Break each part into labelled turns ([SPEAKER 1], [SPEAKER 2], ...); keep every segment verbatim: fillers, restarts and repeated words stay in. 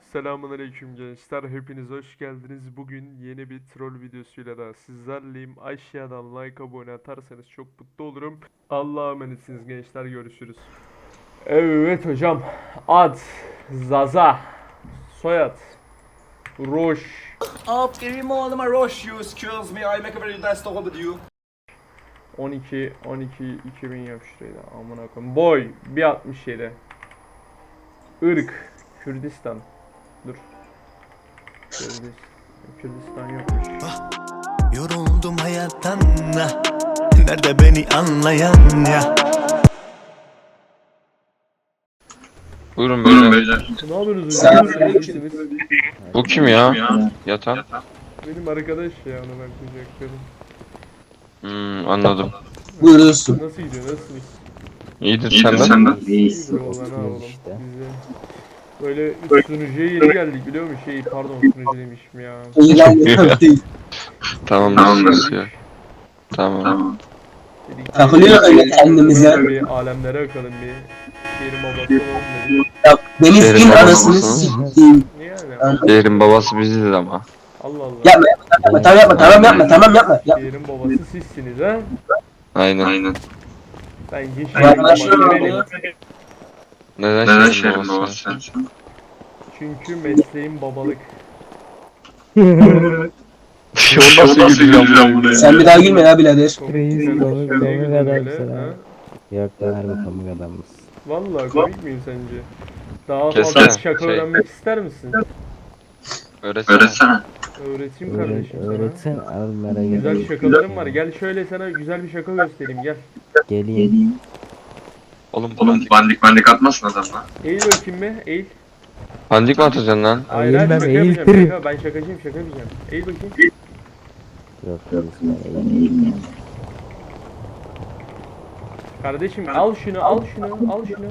[SPEAKER 1] Selamünaleyküm gençler, hepiniz hoş geldiniz. Bugün yeni bir troll videosuyla da sizlerleyim. Aşağıdan like, abone atarsanız çok mutlu olurum. Allah'a emanetsiniz gençler, görüşürüz. Evet hocam, ad Zaza, soyad Roş.
[SPEAKER 2] Aferin oğluma Roş, you excuse me, I make a very nice talk with you.
[SPEAKER 1] on iki on iki iki bin yap şurayı da, amına koyayım. Boy bir altmış yedi. Irk Kürdistan. Dur. Kürdistan, Kürdistan yokmuş.
[SPEAKER 3] Yoruldum hayattan, nerede beni anlayan ya?
[SPEAKER 4] Buyurun beyler.
[SPEAKER 1] Ne yapıyorsunuz hocam? Neredesiniz?
[SPEAKER 4] Bu kim ya? Yatan.
[SPEAKER 1] Benim arkadaş ya, onu ben kucakladım.
[SPEAKER 4] Hmm, anladım.
[SPEAKER 5] Buyursun.
[SPEAKER 1] Nasıl gidiyor, nasılsınız?
[SPEAKER 4] İyidir senden.
[SPEAKER 1] İyidir oğlan ha oğlum. Bize böyle üst sunucuya yeni geldik biliyor musun? Şey pardon, sunucu demişim ya.
[SPEAKER 5] İlan değil.
[SPEAKER 4] Tamam nasıl ya? Tamam.
[SPEAKER 1] Dedik ki,
[SPEAKER 5] Takılıyor öyle kendimize.
[SPEAKER 1] Bir alemlere bakalım, bir şehrin babası olalım dedik.
[SPEAKER 5] Ya Deniz
[SPEAKER 4] Derin
[SPEAKER 5] kim
[SPEAKER 4] babası
[SPEAKER 5] anasını
[SPEAKER 4] mısın?
[SPEAKER 5] siktiğim.
[SPEAKER 1] Niye yani?
[SPEAKER 4] Yerin babası biziz ama.
[SPEAKER 1] Allah Allah.
[SPEAKER 5] Yapma yapma tamam yapma tamam yapma tamam yapma. Yapma.
[SPEAKER 1] Şehrin babası sizsiniz ha?
[SPEAKER 4] Aynen. Aynen.
[SPEAKER 1] Bence
[SPEAKER 5] Ya
[SPEAKER 1] şehrin
[SPEAKER 5] ben
[SPEAKER 1] babası
[SPEAKER 5] şöyle
[SPEAKER 1] benim.
[SPEAKER 5] oluyor.
[SPEAKER 4] Neden şehrin babası?
[SPEAKER 1] Çünkü mesleğim babalık.
[SPEAKER 4] O nasıl gülüyor buraya?
[SPEAKER 5] Sen bir daha gülme ya birader.
[SPEAKER 6] Reis
[SPEAKER 1] Sen
[SPEAKER 6] komik
[SPEAKER 1] hoş
[SPEAKER 6] komik
[SPEAKER 1] geldin
[SPEAKER 6] adam
[SPEAKER 1] böyle,
[SPEAKER 6] mısın
[SPEAKER 1] ha?
[SPEAKER 6] abi? Yok lan harbi komik adamız.
[SPEAKER 1] Vallahi komik miyim sence? Daha
[SPEAKER 4] Kesin.
[SPEAKER 1] fazla şaka
[SPEAKER 4] Şey.
[SPEAKER 1] öğrenmek ister misin?
[SPEAKER 4] Öğretsene.
[SPEAKER 1] Öğreteyim
[SPEAKER 6] Öğret,
[SPEAKER 1] kardeşim sana.
[SPEAKER 6] öğretsen al merak etme.
[SPEAKER 1] Güzel şakalarım var. Gel şöyle sana güzel bir şaka göstereyim, gel.
[SPEAKER 6] Geleyim.
[SPEAKER 4] Oğlum bandik bandik bandik atmasın adamla.
[SPEAKER 1] Eğil bakayım bir, eğil.
[SPEAKER 4] Bandik mi atacaksın lan?
[SPEAKER 1] Hayır hayır,
[SPEAKER 6] Eğilmem,
[SPEAKER 1] şaka yapacağım.
[SPEAKER 6] eğiltirim.
[SPEAKER 1] Şaka, ben şakacıyım, şaka yapacağım. Eğil bakayım.
[SPEAKER 6] Yok reis ben eğilmeyeyim.
[SPEAKER 1] Kardeşim al şunu, al şunu, al şunu.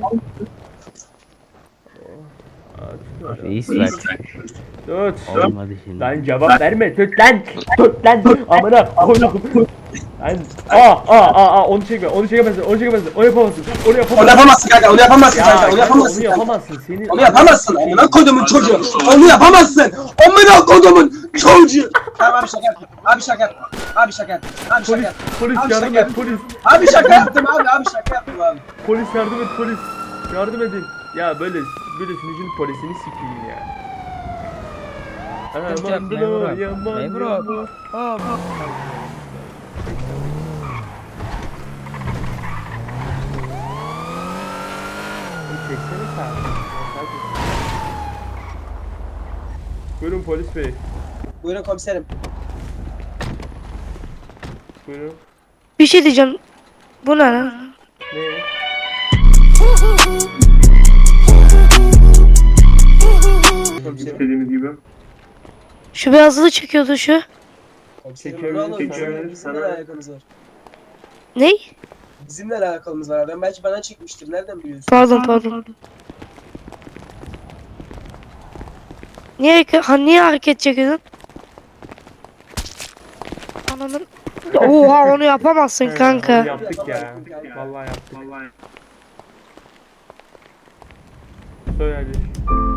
[SPEAKER 1] Oh, aç,
[SPEAKER 6] Reis bak.
[SPEAKER 1] Tut.
[SPEAKER 6] Olmadı şimdi.
[SPEAKER 1] Lan cevap verme, tut lan. Tut lan. Amına koydum. Lan aa aa aa aa, onu çekme, onu çekemezsin, onu çekemezsin, onu yapamazsın, onu
[SPEAKER 5] Onu
[SPEAKER 1] yapamazsın.
[SPEAKER 5] yapamazsın kanka onu yapamazsın
[SPEAKER 1] Ya
[SPEAKER 5] kanka onu
[SPEAKER 1] kanka,
[SPEAKER 5] yapamazsın
[SPEAKER 1] onu
[SPEAKER 5] kanka.
[SPEAKER 1] yapamazsın, senin.
[SPEAKER 5] Onu yapamazsın amına kodumun çocuğu. Onu yapamazsın. Amına kodumun çocuğu. Tamam abi şaka yaptım. Abi şaka yaptım. Abi şaka yaptım. Abi şaka
[SPEAKER 1] Polis,
[SPEAKER 5] yaptım.
[SPEAKER 1] polis
[SPEAKER 5] Abi
[SPEAKER 1] yardım
[SPEAKER 5] şaka
[SPEAKER 1] et,
[SPEAKER 5] yaptım.
[SPEAKER 1] polis.
[SPEAKER 5] Abi şaka yaptım abi abi şaka yaptım abi.
[SPEAKER 1] Polis yardım et, polis. Yardım edin. Ya böyle böyle sunucunun polisini sikeyim ya.
[SPEAKER 6] Sıkıntı yok,
[SPEAKER 1] Aman
[SPEAKER 6] memurum.
[SPEAKER 1] bro, yaman
[SPEAKER 6] Memurum.
[SPEAKER 1] bro.
[SPEAKER 6] Hop.
[SPEAKER 1] Çeksene sen. Buyurun polis bey.
[SPEAKER 5] Buyurun komiserim.
[SPEAKER 1] Buyurun.
[SPEAKER 7] Bir şey diyeceğim. Bu ne lan?
[SPEAKER 1] Ne? İstediğiniz gibi.
[SPEAKER 7] Şu beyazlığı çekiyordu şu.
[SPEAKER 5] Komiserim
[SPEAKER 1] Çekiyorum,
[SPEAKER 5] ne olur
[SPEAKER 1] çekiyorum.
[SPEAKER 5] bizimle ne alakamız var?
[SPEAKER 7] Ney?
[SPEAKER 5] Bizimle ne alakamız var adam belki bana çekmiştir nereden biliyorsun?
[SPEAKER 7] Pardon pardon. Niye ha, niye hareket çekiyordun? Ananın. Oha onu yapamazsın
[SPEAKER 1] Onu
[SPEAKER 7] kanka.
[SPEAKER 1] yaptık ya. Vallahi yaptık. Söyle hadi.